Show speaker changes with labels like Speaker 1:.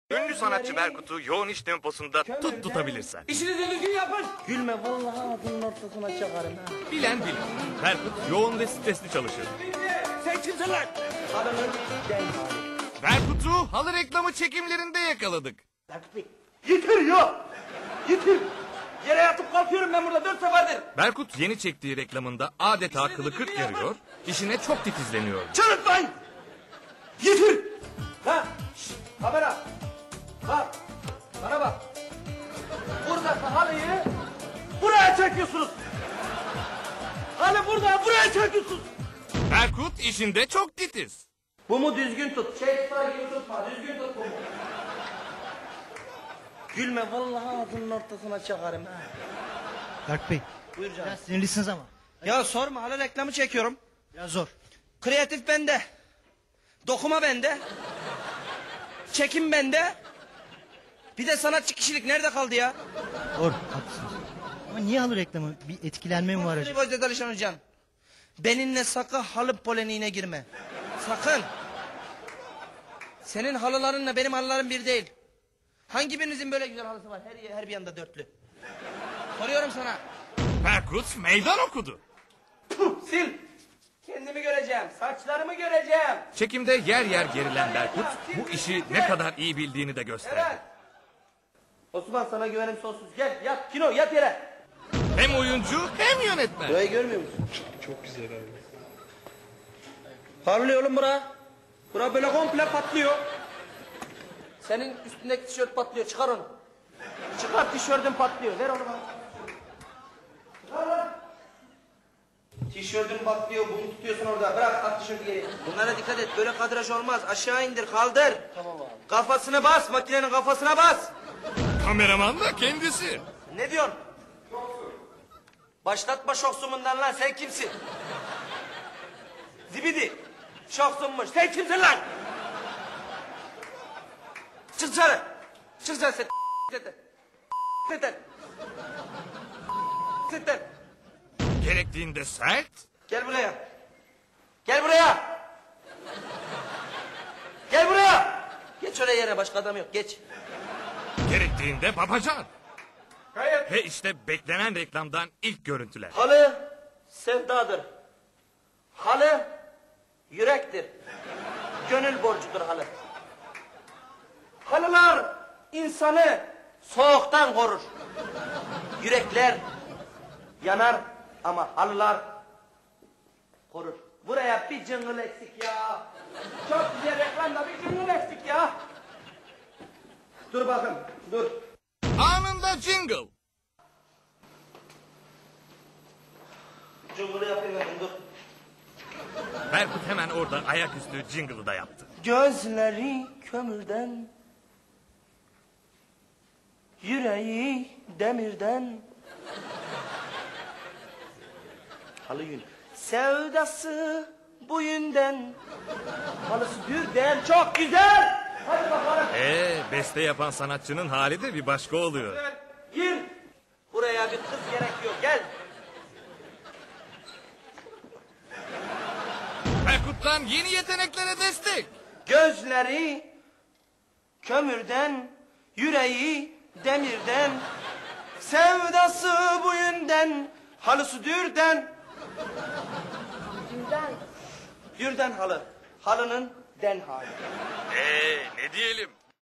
Speaker 1: Ünlü sanatçı Berkut'u yoğun iş temposunda tutabilirsen.
Speaker 2: İşinizi düzgün yapın. Gülme vallahi ağzının ortasına çakarım ha.
Speaker 1: Bilen bilir. Berkut yoğun ve stresli çalışır.
Speaker 2: Sen kimsin lan? Adamın gel hali.
Speaker 1: Berkut'u halı reklamı çekimlerinde yakaladık.
Speaker 2: Berkut Bey. Yitir ya. Yitir. Yere yatıp kalkıyorum ben burada 4 seferdir.
Speaker 1: Berkut yeni çektiği reklamında adeta akıllı 40 yarıyor, işine çok titizleniyor.
Speaker 2: Çırıtmayın. Yitir. Ha. Şşt, kamera. Bak. Bana bak. Buradaki halıyı buraya çekiyorsunuz. Halı burada buraya çekiyorsunuz.
Speaker 1: Berkut işinde çok titiz.
Speaker 2: Bu mu düzgün tut. Şey tutar gibi tutma. Düzgün tut bu mu? Gülme vallahi ağzının ortasına çakarım ha.
Speaker 3: Berk Bey,
Speaker 2: Buyur canım.
Speaker 3: biraz sinirlisiniz ama.
Speaker 2: Ya sorma hala reklamı çekiyorum.
Speaker 3: Biraz zor.
Speaker 2: Kreatif bende. Dokuma bende. Çekim bende. Bir de sanatçı kişilik nerede kaldı ya?
Speaker 3: Doğru, haklısınız. Ama niye halı reklamı? Bir etkilenme mi var acaba?
Speaker 2: Gözde Alişan Hocam. Benimle sakın halı polemiğine girme. Sakın. Senin halılarınla benim halılarım bir değil. Hangi birinizin böyle güzel halısı var? Her bir yanda dörtlü. Soruyorum sana.
Speaker 1: Berkut meydan okudu.
Speaker 2: Sil. Kendimi göreceğim. Saçlarımı göreceğim.
Speaker 1: Çekimde yer yer gerilen Berkut bu işi ne kadar iyi bildiğini de gösterdi.
Speaker 2: Evet. Osman sana güvenim sonsuz. Gel yat Kino yat yere.
Speaker 1: Hem oyuncu hem yönetmen.
Speaker 2: Burayı görmüyor musun? Çok güzel abi. Parlıyor oğlum bura. Bura böyle komple patlıyor. Senin üstündeki tişört patlıyor. Çıkar onu. Çıkar tişörtün patlıyor. Ver onu bana. Çıkar lan. Tişörtün patlıyor. Bunu tutuyorsun orada. Bırak at tişörtü geri. Bunlara dikkat et. Böyle kadraj olmaz. Aşağı indir. Kaldır. Tamam abi. Kafasını bas. Makinenin kafasına bas.
Speaker 1: Kameraman da kendisi.
Speaker 2: Ne diyorsun? Başlatma şoksumundan lan. Sen kimsin? Zibidi. Şoksunmuş. Sen kimsin lan? Çık dışarı. Çık dışarı sen. Sen.
Speaker 1: Gerektiğinde sert,
Speaker 2: Gel buraya. Gel buraya. Gel buraya. Geç oraya yere. Başka adam yok. Geç.
Speaker 1: gerektiğinde babacan.
Speaker 2: Hayır.
Speaker 1: Ve işte beklenen reklamdan ilk görüntüler.
Speaker 2: Halı sevdadır. Halı yürektir. Gönül borcudur halı. Halılar insanı soğuktan korur. Yürekler yanar ama halılar korur. Buraya bir cıngıl eksik ya. Çok güzel reklamda bir cıngıl eksik ya. Dur bakın dur.
Speaker 1: Anında jingle.
Speaker 2: Cıngılı yapayım ben dur.
Speaker 1: Berkut hemen orada ayaküstü jingle'ı da yaptı.
Speaker 2: Gözleri kömürden, yüreği demirden. Halı yün. Sevdası bu yünden, halısı dürden çok güzel. Hadi bakalım.
Speaker 1: Beste yapan sanatçının hali de bir başka oluyor.
Speaker 2: Gir. Buraya bir kız gerekiyor. Gel.
Speaker 1: Berkut'tan yeni yeteneklere destek.
Speaker 2: Gözleri kömürden, yüreği demirden. Sevdası bu yünden, halısı dürden. Dürden halı. Halının den hali.
Speaker 1: Ne diyelim?